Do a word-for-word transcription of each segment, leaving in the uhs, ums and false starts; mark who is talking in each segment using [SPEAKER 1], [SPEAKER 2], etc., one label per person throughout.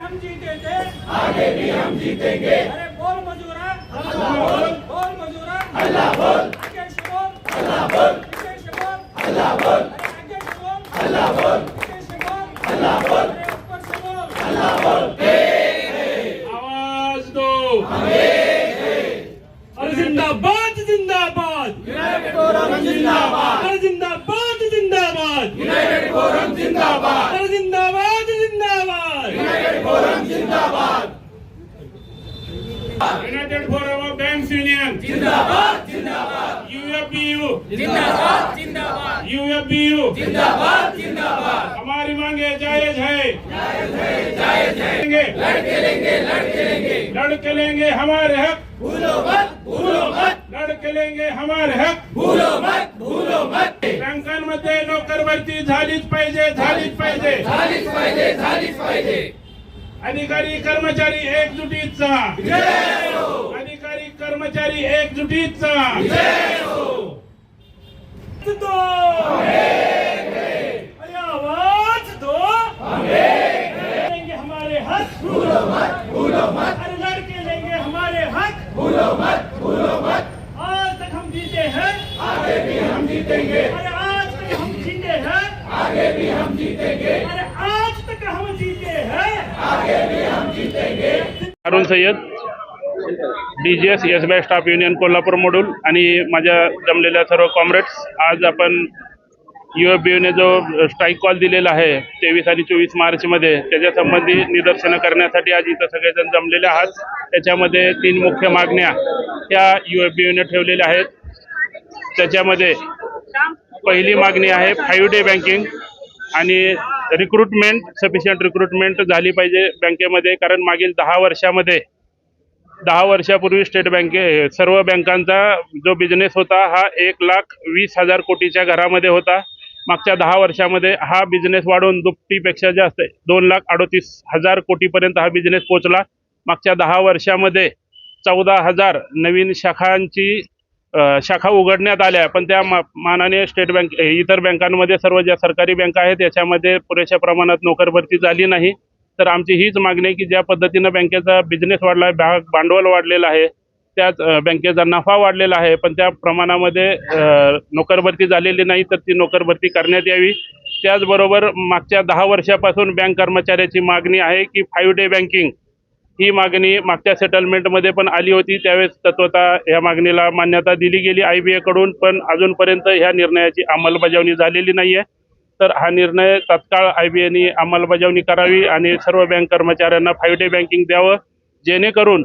[SPEAKER 1] हम जीते थे, आगे भी हम जीतेंगे। अरे बोल मजूरा, अल्लाह बोल, बोल मजूरा, अल्लाह बोल, आगे से बोल, अल्लाह बोल, पीछे से बोल, अल्लाह बोल, अरे आगे से बोल, अल्लाह बोल, पीछे से बोल, अल्लाह बोल, अरे ऊपर से बोल, अल्लाह बोल।
[SPEAKER 2] आवाज दो,
[SPEAKER 1] अरे जिंदाबाद जिंदाबाद, यूनाइटेड फोरम जिंदाबाद, अरे जिंदाबाद जिंदाबाद, यूनाइटेड फोरम जिंदाबाद, अरे जिंदाबाद जिंदाबाद, यूनाइटेड फोरम जिंदाबाद,
[SPEAKER 2] united forum of banks union
[SPEAKER 1] जिंदाबाद जिंदाबाद,
[SPEAKER 2] यूएफबीयू
[SPEAKER 1] जिंदाबाद जिंदाबाद,
[SPEAKER 2] यूएफबीयू
[SPEAKER 1] जिंदाबाद जिंदाबाद,
[SPEAKER 2] हमारी मांगे जायज है,
[SPEAKER 1] जायज है जायज है, लड़के लेंगे लड़के लेंगे,
[SPEAKER 2] लड़के लेंगे हमारे हक,
[SPEAKER 1] भूलो मत भूलो मत,
[SPEAKER 2] लड़के लेंगे हमारे हक।
[SPEAKER 1] भूलो मत भूलो मत,
[SPEAKER 2] बँकांमध्ये नोकर भरती झालीच पाहिजे, झालीच पाहिजे।
[SPEAKER 1] झालीच पाहिजे झालीच पाहिजे,
[SPEAKER 2] अधिकारी कर्मचारी एकजुटीचा,
[SPEAKER 1] जय हो,
[SPEAKER 2] अधिकारी कर्मचारी एकजुटीचा।
[SPEAKER 1] जय हो, दो अरे आवाज दो, लेंगे हमारे हक, भूलो मत भूलो मत, अरे लड़के लेंगे हमारे हक, भूलो मत भूलो मत, आज तक हम जीते हैं, आगे भी हम जीतेंगे, अरे आज तक हम जीते हैं, आगे भी हम जीतेंगे, अरे आज तक हम जीते हैं, आगे भी हम जीतेंगे।
[SPEAKER 2] Arun Sayyad, DGS SBI staff union Kolhapur module आणि माझ्या जमलेल्या सर्व कॉम्रेड्स, आज आपण यूएफबीयूने जो स्ट्राईक कॉल दिलेला आहे तेवीस आणि चोवीस मार्चमध्ये, त्याच्या संबंधी निदर्शनं करण्यासाठी आज इथं सगळेजण जमलेले आहात। त्याच्यामध्ये तीन मुख्य मागण्या ह्या यूएफबीयूने ठेवलेल्या आहेत। त्याच्यामध्ये पहिली मागणी आहे फाईव्ह डे बँकिंग आणि रिक्रुटमेंट, सफिशियंट रिक्रुटमेंट झाली पाहिजे बँकेमध्ये, कारण मागील दहा वर्षामध्ये दहा वर्षापूर्वी स्टेट बँके सर्व बँकांचा जो बिझनेस होता हा एक लाख वीस हजार कोटीच्या घरामध्ये होता। मागच्या दहा वर्षामध्ये हा बिझनेस वाढून दुपटीपेक्षा जास्त दोन लाख अडतीस हजार कोटीपर्यंत हा बिझनेस पोहोचला। मागच्या दहा वर्षामध्ये चौदा हजार नवीन शाखांची शाखा उघडण्यात आल्या, पण त्या मानाने स्टेट बँक इतर बँकांमध्ये सर्व ज्या सरकारी बँका आहेत याच्यामध्ये पुरेशा प्रमाणात नोकर भरती झाली नाही। तर आमची हीच मागणी आहे की ज्या पद्धतीनं बँकेचा बिझनेस वाढला आहे, भाग भांडवल वाढलेलं आहे, त्यात बँकेचा नफा वाढलेला आहे, पण त्या प्रमाणामध्ये नोकर भरती झालेली नाही, तर ती नोकर भरती करण्यात यावी। त्याचबरोबर मागच्या दहा वर्षापासून बँक कर्मचाऱ्याची मागणी आहे की फाईव्ह डे बँकिंग ही मागणी मागच्या सेटलमेंटमध्ये पण आली होती, त्यावेळेस तत्वता ह्या मागणीला मान्यता दिली गेली आय बी एकडून, पण अजूनपर्यंत ह्या निर्णयाची अंमलबजावणी झालेली नाही आहे। तर हा निर्णय तत्काळ आय बी एने अंमलबजावणी करावी आणि सर्व बँक कर्मचाऱ्यांना फाईव्ह डे बँकिंग द्यावं, जेणेकरून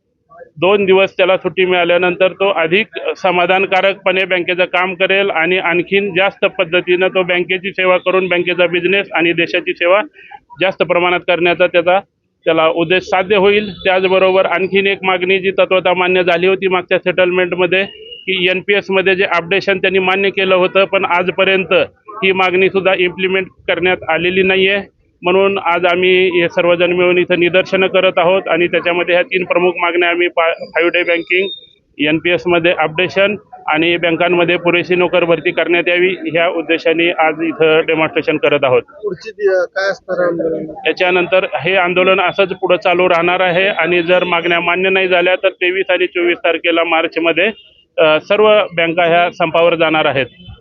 [SPEAKER 2] दोन दिवस त्याला सुट्टी मिळाल्यानंतर तो अधिक समाधानकारकपणे बँकेचं काम करेल आणि आणखीन जास्त पद्धतीनं तो बँकेची सेवा करून बँकेचा बिझनेस आणि देशाची सेवा जास्त प्रमाणात करण्याचा त्याचा त्याला उद्देश साध्य होईल। त्याचबरोबर आणखीन एक मागणी जी तत्वता मान्य झाली होती मागच्या सेटलमेंटमध्ये की एन पी एसमध्ये जे अपडेशन त्यांनी मान्य केलं होतं, पण आजपर्यंत ही मागणीसुद्धा इम्प्लिमेंट करण्यात आलेली नाही आहे। म्हणून आज आम्ही हे सर्वजण मिळून इथं निदर्शनं करत आहोत आणि त्याच्यामध्ये ह्या तीन प्रमुख मागण्या आम्ही five day banking, N P एसमध्ये अपडेशन आणि बँकांमध्ये पुरेशी नोकर भरती करण्यात यावी ह्या उद्देशाने आज इथं डेमॉन्स्ट्रेशन करत आहोत।
[SPEAKER 3] काय असणार
[SPEAKER 2] याच्यानंतर हे आंदोलन असंच पुढे चालू राहणार आहे आणि जर मागण्या मान्य नाही झाल्या तर तेवीस आणि चोवीस तारखेला मार्चमध्ये सर्व बँका ह्या संपावर जाणार आहेत।